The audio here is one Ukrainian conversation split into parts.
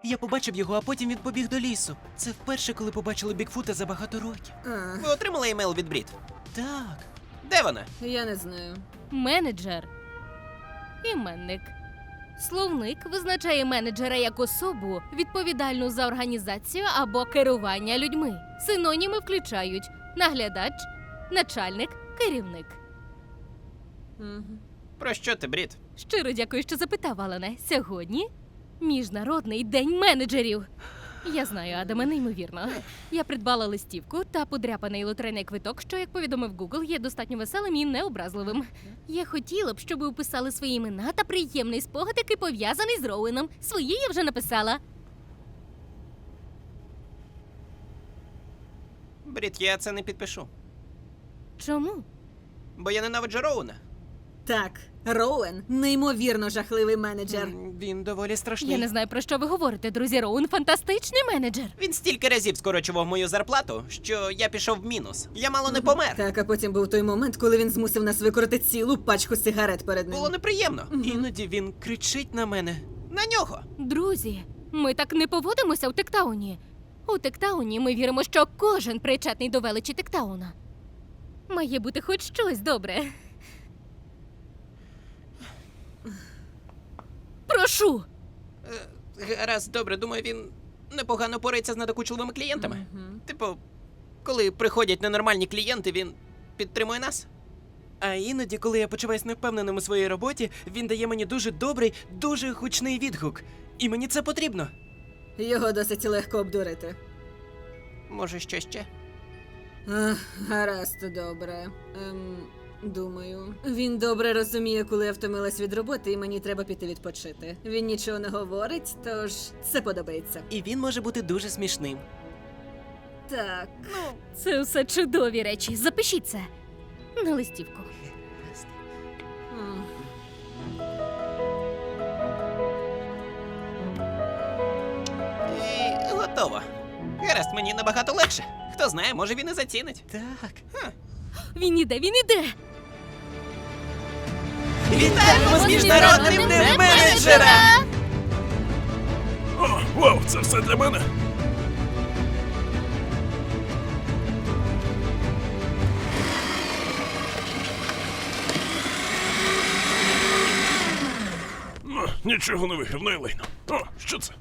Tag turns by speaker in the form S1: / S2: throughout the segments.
S1: Я побачив його, а потім він побіг до лісу. Це вперше, коли побачили Бігфута за багато років.
S2: Ви отримали емейл від Брід?
S1: Так.
S2: Де вона?
S3: Я не знаю.
S4: Менеджер. Іменник. Словник визначає менеджера як особу, відповідальну за організацію або керування людьми. Синоніми включають наглядач, начальник, керівник.
S2: Про що ти, Брід?
S4: Щиро дякую, що запитав, Алане. Сьогодні Міжнародний день менеджерів. Я знаю, Адаме, неймовірно. Я придбала листівку та подряпаний лотерейний квиток, що, як повідомив Google, є достатньо веселим і необразливим. Я хотіла б, щоб ви описали свої імена та приємний спогад, який пов'язаний з Роуеном. Свої я вже написала.
S2: Брід, я це не підпишу.
S4: Чому?
S2: Бо я ненавиджу Роуна.
S3: Так, Роуен – неймовірно жахливий менеджер.
S1: Він доволі страшний.
S4: Я не знаю, про що ви говорите, друзі. Роуен – фантастичний менеджер.
S2: Він стільки разів скорочував мою зарплату, що я пішов в мінус. Я мало не помер.
S3: Так, а потім був той момент, коли він змусив нас викорити цілу пачку сигарет перед ним.
S2: Було неприємно.
S1: Іноді він кричить на мене.
S2: На нього.
S4: Друзі, ми так не поводимося у Тектауні. У Тектауні ми віримо, що кожен причетний до величі Тектауна. Має бути хоч щось добре. Прошу!
S2: Гаразд, добре, думаю, він непогано порається з надокучливими клієнтами. Типу, коли приходять ненормальні клієнти, він підтримує нас.
S1: А іноді, коли я почуваюсь невпевненим у своїй роботі, він дає мені дуже добрий, дуже гучний відгук. І мені це потрібно.
S3: Його досить легко обдурити.
S2: Може, що ще?
S3: Гаразд, добре. Думаю. Він добре розуміє, коли я втомилась від роботи і мені треба піти відпочити. Він нічого не говорить, тож це подобається.
S1: І він може бути дуже смішним.
S3: Так.
S4: Це все чудові речі. Запишіть це на листівку.
S3: М.
S2: І готово. Гаразд, мені набагато легше. Хто знає, може він і зацінить.
S1: Так.
S4: Він іде, він іде!
S2: Вітаємо з Міжнародним днем менеджера!
S5: О, вау, це все для мене. Ну, нічого не виграв, ну і лайно. О, що це?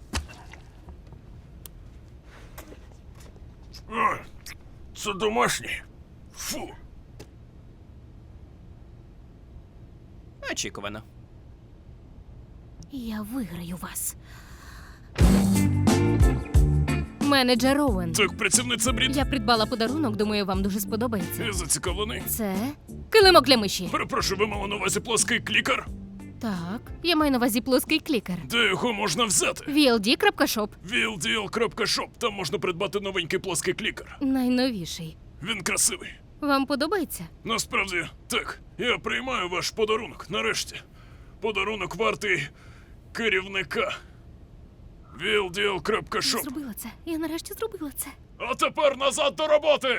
S5: О, це домашнє. Фу.
S2: Очікувано.
S4: Я виграю вас. Менеджер Роуен.
S5: Так, працівниця Брід.
S4: Я придбала подарунок, думаю, вам дуже сподобається.
S5: Я зацікавлений.
S4: Це килимок для миші.
S5: Перепрошую, ви мали на увазі плоский клікер?
S4: Так, я маю на увазі плоский клікер.
S5: Де його можна взяти?
S4: VLD.shop.
S5: VLDL.shop. Там можна придбати новенький плоский клікер.
S4: Найновіший.
S5: Він красивий.
S4: Вам подобається?
S5: Насправді, так. Я приймаю ваш подарунок, нарешті. Подарунок вартий керівника. VLDL.shop.
S4: Зробила це. Я нарешті зробила це.
S5: А тепер назад до роботи!